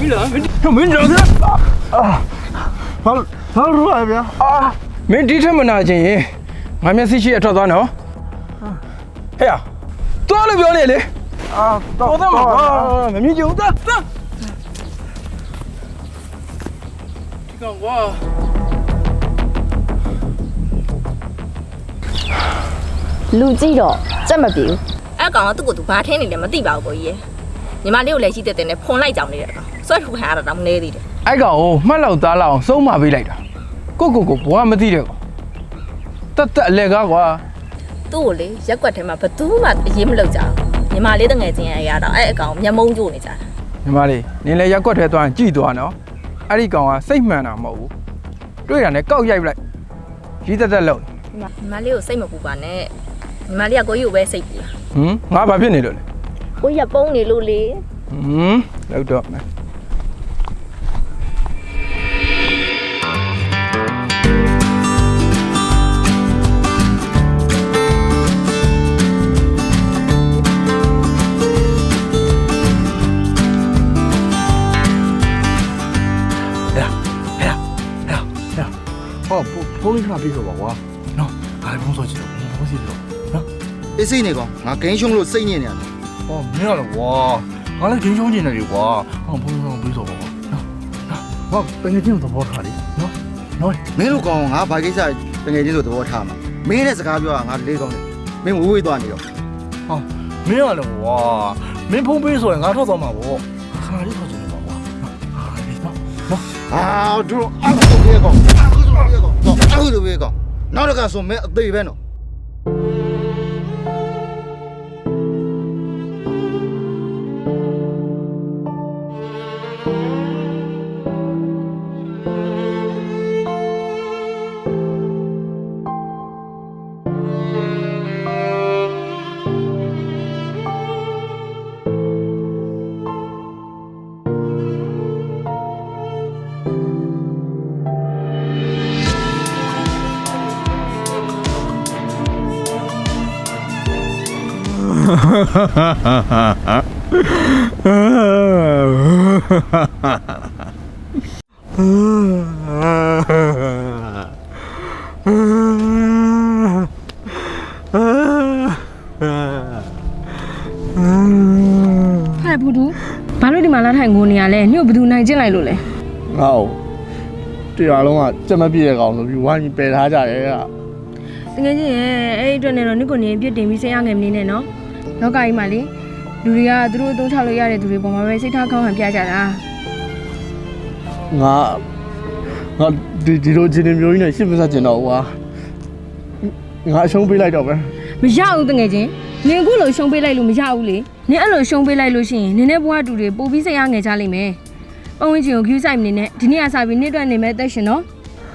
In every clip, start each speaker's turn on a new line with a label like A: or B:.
A: မင်းကြောက်စဘာလို့ရဗျာမင်းဒီထက်မနာချင်းရင်ငါမျက်စိရှိအထွက်သွားနော်ဟဲ့သွားလို့ပြောနေလေတော့မမြင်ကြဘူးသွားဒီကောင်ကွာ
B: လူကြည့်တော့စက်မပြေဘူး
C: အဲ့ကောင်ကသူ့ကိုသူဘာထင်းနေလဲမသိပါဘူးကိုကြီးညီမလေးကိုလည်းရှိတဲ့နဲ့ဖွန်လိုက်ကြောင်နေတဲ့ကောင်ဆွဲထုတ်ခံရတာတော့မနေသေးတယ်
A: အဲ့ကောင်ကိုမှတ်လောက်သားလောက်အောင်စုံးမပေးလိုက်တာကိုဘွားမသိတဲ့ကောင်တက်အလဲကားကွာ
C: သူ့ကိုလေရက်ွက်ထဲမှာဘသူမှအရေးမလုပ်ကြဘူးညီမလေးတငယ်ချင်းရတော့အဲ့အကောင်မျက်မုံးကျိုးနေကြတာ
A: ညီမလေးနင်လည်းရက်ွက်ထဲသွားရင်ကြည်သွားနော်အဲ့ဒီကောင်ကစိတ်မှန်တာမဟုတ်ဘူးတွေ့တာနဲ့ကောက်ရိုက်လိုက်ရီးတက်လောက်
C: ညီမလေးကိုစိတ်မပူပါနဲ့ညီမလေးကကိုကြီးကိုပဲစိတ်ပူတာ
A: ငါဘာဖြစ်နေလို့လဲ
C: ကိုကြီးကပုံးနေလို့လေ
A: လောက်တော့မယ်
D: ဖုန်းလေးခဏပြေးဆိုပါကွာနော်ငါလည်းဖုန်းဆော့ကြည့်တော့ဖုန်းစီတော့နော်
E: အေးစိတ်နေကောင်ငါဂိမ်းရှုံးလို့စိတ်ညစ်နေရတယ်
D: ဟောမင်းရတော့ကွာငါလည်းဂိမ်းရှုံးနေတယ်လေကွာဟောဖုန်းပြေးဆိုပါကွာနော်ဟောတကယ်ချင်းသဘောထားလေနော်
E: မင်းတို့ကောင်ငါဘာကိစ္စတကယ်ချင်းဆိုသဘောထားမှာမင်းနဲ့စကားပြောတာငါလေးကောင်းတယ်မင်းဝေးသွားနေတော့
D: ဟောမင်းရလည်းကွာမင်းဖုန်းပြေးဆိုရင်ငါထွက်သွားမှာပေါ့ခဏလေးထွက်ကြည့်ပါကွာ
E: နော်တို့အခုဆိုပြေးကောင်အခုလိုပဲကောင်နောက်တစ်ခါဆိုမဲအသေးပဲနော်
B: ဘူဒူဘာလို့ဒီမှာလာထိုင်ငိုနေရလဲညို့ဘယ်သူနိုင်ကျင့်လိုက်လို့လဲ
D: ငါ့ကိုတရားလုံးကစက်မပြည့်တဲ့ကောင်ဆိုပြီးဝိုင်းပြီးပယ်ထားကြတယ်က
B: တကယ်ကြီးရဲ့အဲ့ဒီအတွက်နဲ့တော့နိကိုနေပြစ်တင်ပြီးစိတ်ရငယ်မနေနဲ့နော်လောကကြီးမှာလေလူတွေကသူတို့အသုံးချလို့ရတဲ့သူတွေပေါ်မှာပဲစိတ်ထားကောင်းဟန်ပြကြတာ
D: ငါဒီလိုချင်းမျိုးကြီးနဲ့ရှစ်မဆက်ကျင်တော့ကွာငါအရှုံးပေးလိုက်တော့ပဲ
B: မရဘူးတကယ်ချင်းနင်အခုလိုရှုံးပေးလိုက်လို့မရဘူးလေနင်အဲ့လိုရှုံးပေးလိုက်လို့ရှိရင်နင်နဲ့ဘွားတူတွေပို့ပြီးစိတ်ရငယ်ကြလိမ့်မယ်ပတ်ဝန်းကျင်ကို view site မနေနဲ့ဒီနေ့ကစပြီးနေ့အတွက်နေမဲ့တက်ရှင်နော်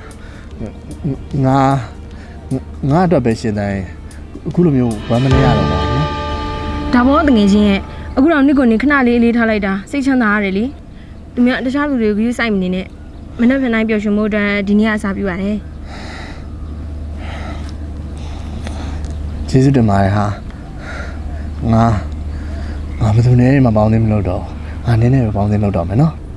D: ငါအတွက်ပဲရှင်တိုင်းအခုလိုမျိုးဝမ်းမနေရတော့ပါဘူး
B: ဒါဘောတငယ်ချင်းရဲ့အခုတော့နိကိုနေခဏလေးလေးထားလိုက်တာစိတ်ချမ်းသာရတယ်လေသူများတခြားလူတွေကို view site မနေနဲ့မနေ့ကနိုင်ပျော်ရွှင်မှုအတွက်ဒီနေ့ကစပြီးပါတယ်
D: ကျေးဇူးတင်ပါတယ်ဟာငါဘယ်သူနဲ့မှပေါင်းသိမလို့တော့ငါနင်းနဲ့ပဲပေါင်းသိလို့တော့မယ်နော်